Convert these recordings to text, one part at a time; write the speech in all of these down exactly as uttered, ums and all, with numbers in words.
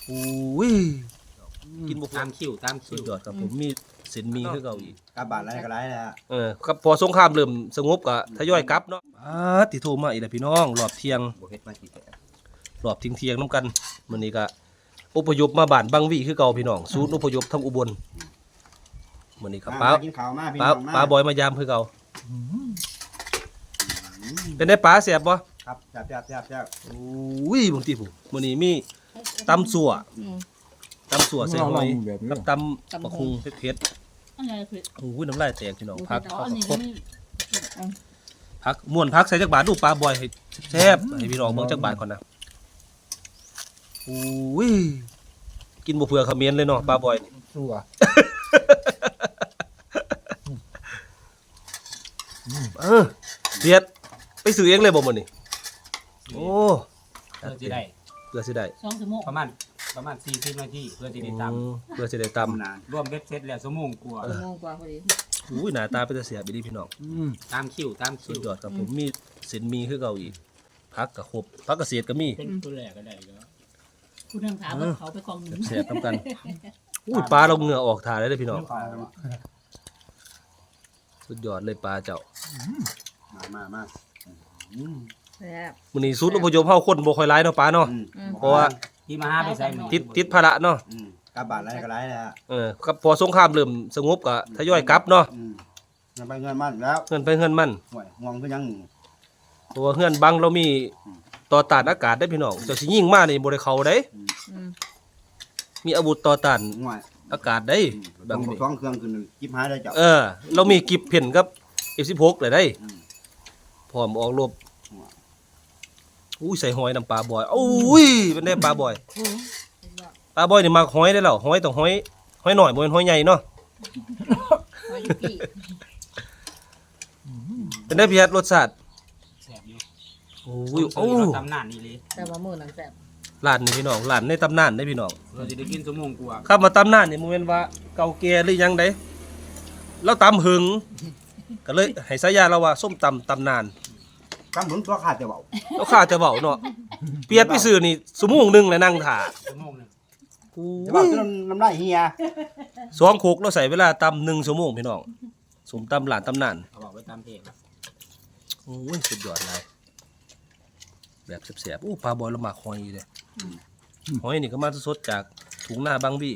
อุ้ยกินบุกตามคิวตามสุคิดวยอดครับผมมีเส้นมีคือเก่าอีกกลับบ้านไรก็ไรนะฮะเออครับพอสงครามเริ่มสงบก็ทยอยกลับเนาะอ่าติโทรมาอีกแล้วพี่น้องรอบเที่ยงบวเฮ็ดมากี่แก่รอบเที่ยงเที่ยงน้ำกันมื้อนี้ก็อพยพมาบ้านบางวิคือเก่าพี่น้องศูนย์อพยพทางอุบลมื้อนี้ครับป้ากินข้าวมาพี่ป้าน้องมาป้าบอยมายามคือเก่าเป็นได้ป้าแซ่บบ่ครับแซ่บแซ่บแซ่บแซ่บอุ้ยบางทีผมมื้อนี้มีตำสั่วตำสั่วใส่หอยกับตำบักหุ่งเผ็ดอันนี้คือๆโอ้ยน้ำลายแตกพี่น้องพักอ๋ออันนี้ครบนี่พักม่วนพักใส่จักบาทดูปลาบอยให้แซ่บให้พี่น้องเบิ่งจักบาทก่อนนะอุ้ยกินบ่เผื่อเขมิ้นเลยเนาะปลาบอยนี่สู้อ่ะเออเสียดไปซื้อเองเลยบ่มื้อนี้โอ้เพื่อที่ได้เพื่อสิได้สองชั่วโมงประมาณประมาณสี่สิบนาทีเพื่อที่ได้ตอืมเพื่อสิได้ตำตำนานำรวมเบ็ดเสร็จแล้วชั่วโมงกว่าชั่วโมงกว่าพอดีอุ้ยหน้าตาเป็นตาเสียบอีหลีพี่น้องตามคิวตามคิสุวดยอดครับผมมีเส้นมีคือเก่าอีกผักก็ครบผักเกษตรก็มีเป็นตัวแรกก็ได้แล้วคุณทางถามว่าเขาไปกองหนึ่งแซ่บๆนํกันอุ้ยปลาเราเหงื่อออกถ่าเลยเด้อพี่น้องสุดยอดเลยปลาเจ้ามามามาแซ่บมื้อนี้ศูนย์อพยพเฮาคนบ่ค่อยหลายเนาะปลาเนาะอืมเพราะว่าที่มาหาไปใส่มือติดติดภาระเนาะอืมกลับบ้านไรก็ไรนะฮะเออครับพอสงครามเริ่มสงบก็ทยอยกลับเนาะอืมเงินไปเงินมันแล้วเงินไปเงินมันห่วยงวงคือยังหนึ่งเพราะว่าเฮือนบังเรามีต่อต้านอากาศได้พี่น้องเจ้าสิยิงมานี่บ่ได้เข้าได้มีอาวุธต่อต้านห่วยอากาศได้อืมบางต้องท้องเครื่องขึ้นจิบหายได้เจ้าเออ เรามีกิบเพ่นกับ เอฟ สิบหก เลยได้อืมพร้อมออกรบอุ้ยใส่หอยน้ำปลาบอยอุ้ยเป็นได้ปลาบอยปลาบอยนี่มักหอยได้แล้วหอยต้องหอยหอยหน่อยบ่แม่นหอยใหญ่เนาะหอยยุกิเป็นได้เพียรรสชาติแซ่บอยู่โอ้ยโอ้โอ้ตำนานนี่เลยแต่ว่ามือนังแซ่บร้านนี่พี่น้องร้านในตำนานได้พี่น้องเราจะได้กินชั่วโมงกว่าข้ามาตำนานนี่มันเป็นว่าเก่าแก่หรือยังไดเราตำหึงก็เลยให้สายาเราว่าส้มตำตำนานกำเหมือนตัวขาดจะเบาเราข้าจะเว้าเนาะเปียดไปซื้อนี่ชั่วโมงหนึงแล้วนั่งท่าชั่วโมงหนึงจะเบาจนน้ำลายเฮียสองโคกเราใส่เวลาตำหนึ่งชั่วโมงพี่น้องสมตำหลานตำนานเอาบอกไว้ตามเพจโอ้ยสุดยอดเลยแบบแสบๆอู้ปลาบอยละหมากหอยเลยหอยนี่ก็มาสดๆจากถุงหน้าบางบี้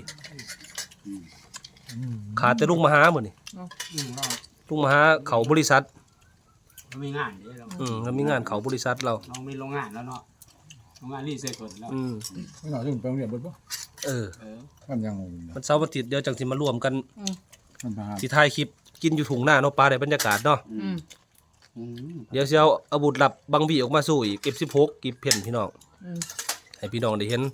ขาดแต่ลุงมหาหมดนี่อืมเราลุงมหาเขาบริษัทเรามีงานเด้เราอืมแล้วมีงานเขาบริษัทเราเรามีโรงงานแล้วเนาะโรงงานรีไซเคิลแล้วอืมไม่หน่อยถึงไปโรงเรียนบ่ปะเออเออมันยังงงมันเสาร์วันอาทิตย์เดี๋ยวจังสิมารวมกันมันพาสิถ่ายคลิปกินอยู่ถุงหน้าเนาะปลาได้บรรยากาศเนาะอืมอืมเดี๋ยวสิเอาอาวุธลับบางบี้ออกมาสู้อีก เอฟ สิบหก กิบเพ่นพี่น้องให้พี่น้องได้เห็น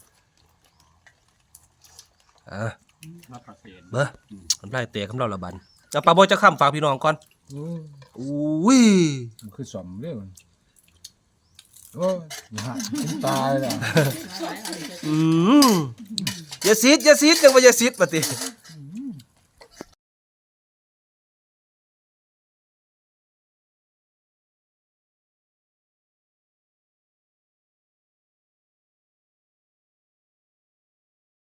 อ่ะมาประเสริฐเบ้อมันไล่เตะคำเราละบันเอาปลาบอยจะข้ามฝากพี่น้องก่อนอุ้ยมันคือสมเรื่องโอ้ยอย่าหาตายเลยอืมอย่าซีดอย่าซีดจังว่าอย่าซีดปะติ